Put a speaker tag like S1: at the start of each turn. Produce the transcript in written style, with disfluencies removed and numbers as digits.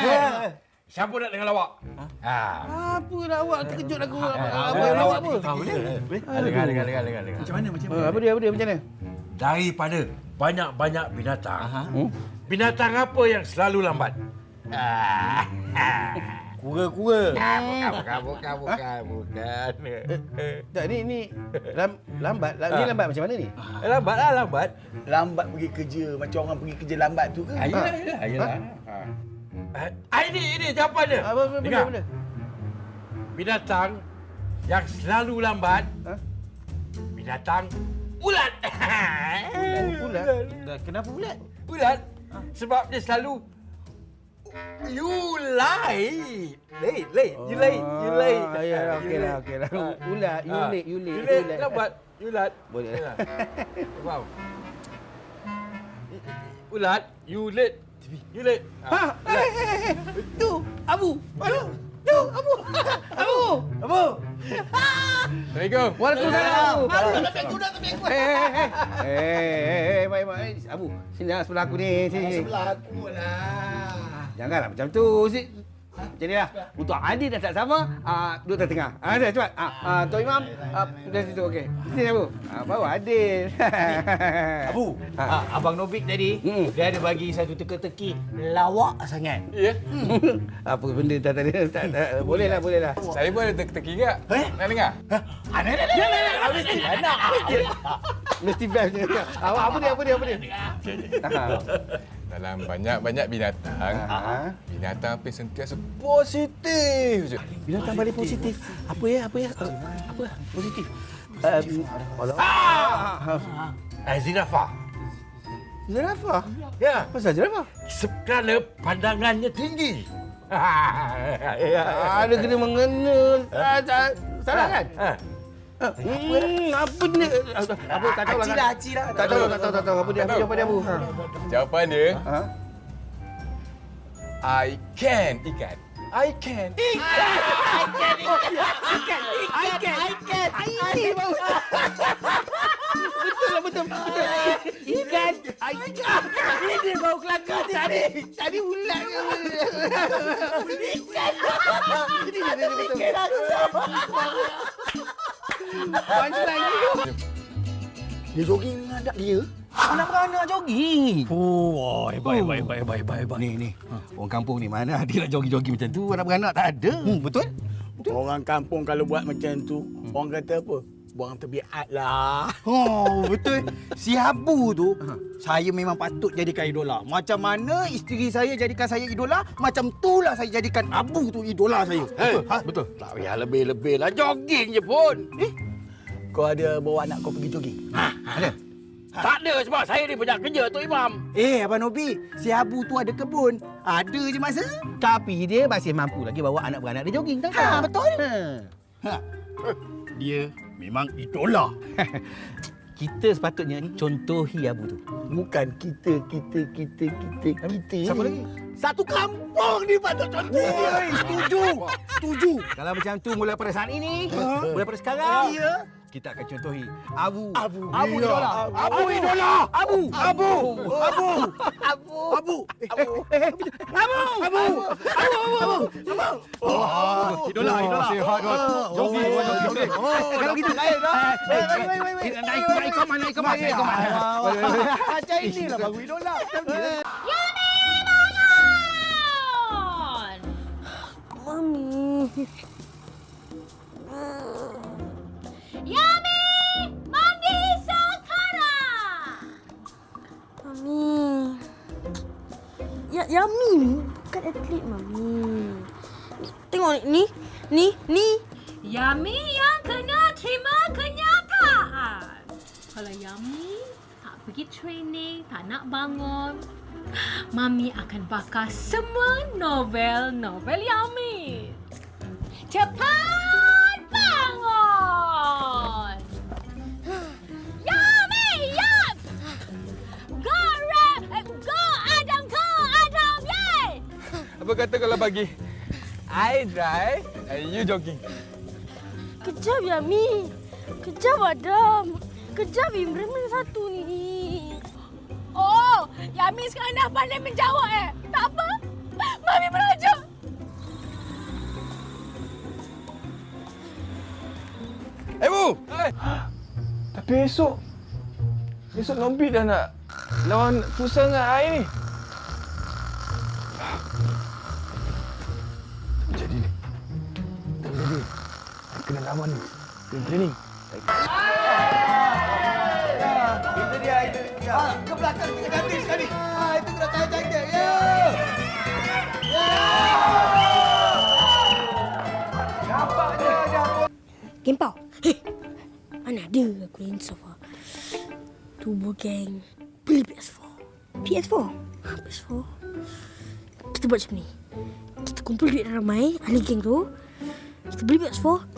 S1: Siapa nak dengan lawak?
S2: Apa lah awak terkejut aku.
S1: Lawak apa? Dengar.
S3: Macam mana?
S2: Apa dia macam mana?
S1: Daripada banyak-banyak binatang. Binatang apa yang selalu lambat?
S2: Kura-kura.
S1: Bukan.
S2: Tak, ni lambat. Ni lambat macam mana ni?
S1: Lambat.
S3: Lambat pergi kerja. Macam orang pergi kerja lambat tu ke?
S1: Ayolah. Ini jawapan dia.
S2: Apa
S1: Dengar.
S2: benda?
S1: Binatang yang selalu lambat. Binatang ulat.
S2: Ulat. Kenapa ulat?
S1: Ulat. Sebab dia selalu you late. You late.
S2: Ya, okeylah. Ulat, you late.
S1: Lambat. Ulat.
S2: Boleh.
S1: Wow. Ulat, you late.
S2: Tu, Abu. Tu, Abu.
S1: Assalamualaikum.
S2: Waalaikumsalam.
S3: Kuda tu aku.
S2: Baik. Abu, sini sebelah aku ni. Sini.
S3: Sebelah aku lah.
S2: Janganlah macam tu. Macam ni lah. Untuk adil dan tak sama, duduk tengah. Dah, cepat. Tok Imam, dari situ, okey. Sini, Abu. Baru adil.
S3: Abu, Abang Nobik tadi, dia ada bagi satu teka-teki lawak sangat.
S1: Ya.
S2: Apa benda tadi? Bolehlah.
S1: Saya pun ada teka-teki enggak? Nak dengar?
S2: Mesti best je. Apa dia?
S1: Dalam banyak-banyak binatang, binatang apa yang sentiasa positif je.
S2: Binatang paling positif. Apa ya? Positif.
S1: Zirafah.
S2: Zirafah?
S1: Ya.
S2: Pasal zirafah?
S1: Kerana pandangannya tinggi.
S2: Ada kena mengena. Salah kan? Apa ni? Apa tak tahu lah.
S3: Haci lah.
S2: Tak tahu. Apa dia Abu?
S1: Jawapan dia, I can ikan. I can.
S2: Betul. Ikan. Ini bau kelakar tadi ulat ke? Ikan. Ini betul.
S3: Dia jogging dengan dia.
S2: Anak-anak jogging.
S3: Oh, baik.
S2: Ni. Orang kampung ni mana dia nak jogging macam tu? Anak-anak tak ada. Betul?
S3: Orang kampung kalau buat macam tu, orang kata apa? Buang tebiat lah.
S4: Oh, betul. Si Abu tu, saya memang patut jadikan idola. Macam mana isteri saya jadikan saya idola, macam itulah saya jadikan Abu tu idola saya.
S3: Betul. Tak payah lebih-lebih lah. Jogging je pun. Kau ada bawa anak kau pergi jogging?
S2: Ada.
S3: Tak ada sebab saya ni banyak kerja, Tok Imam.
S4: Abang Nobi, si Abu tu ada kebun. Ada je masa.
S2: Tapi dia masih mampu lagi bawa anak beranak dia jogging, tak?
S4: Betul. Dia memang idola.
S2: Kita sepatutnya contohi Abu tu.
S3: Bukan kita.
S2: Siapa lagi?
S3: Satu kampung ni patut contoh.
S4: Setuju.
S2: Kalau macam tu mulai pada saat ini, mulai pada sekarang, kita akan contohi Abu idola.
S4: Idola.
S2: Sihat kan? Jogging. Kalau kita naik dah. Naik kemana?
S3: Macam inilah baru idola.
S5: Mami. Yami, mandi sekarang. Mami. Yami ni bukan atlet, Mami. Tengok ni. Yami yang kena terima kenyataan. Kalau Yami tak pergi training, tak nak bangun, Mami akan bakar semua novel Yami. Cepat bangun! Yami, Yap! Go Adam, yay!
S1: Apa kata kalau bagi I drive and you jogging?
S5: Kejap, Yami. Kejap, Adam. Kejap, Imran satu ni. Oh, Yami sekarang dah pandai menjawab Tak apa. Mami belajar.
S1: Tapi esok Nobit dah nak lawan futsal dengan Ai ni. Tak jadi ni. Tak jadi. Kena lawan ni. Kena training.
S4: Itu dia. Ke belakang kita cantik sekali. Itu kena cantik. Ya. Nampaknya dah.
S6: Game Pau. Mana ada aku insaf ah. Tubuh geng. Beli PS4. PS4? PS4? Kita buat macam ni. Kita kumpul duit ramai, ahli geng tu. Kita beli PS4,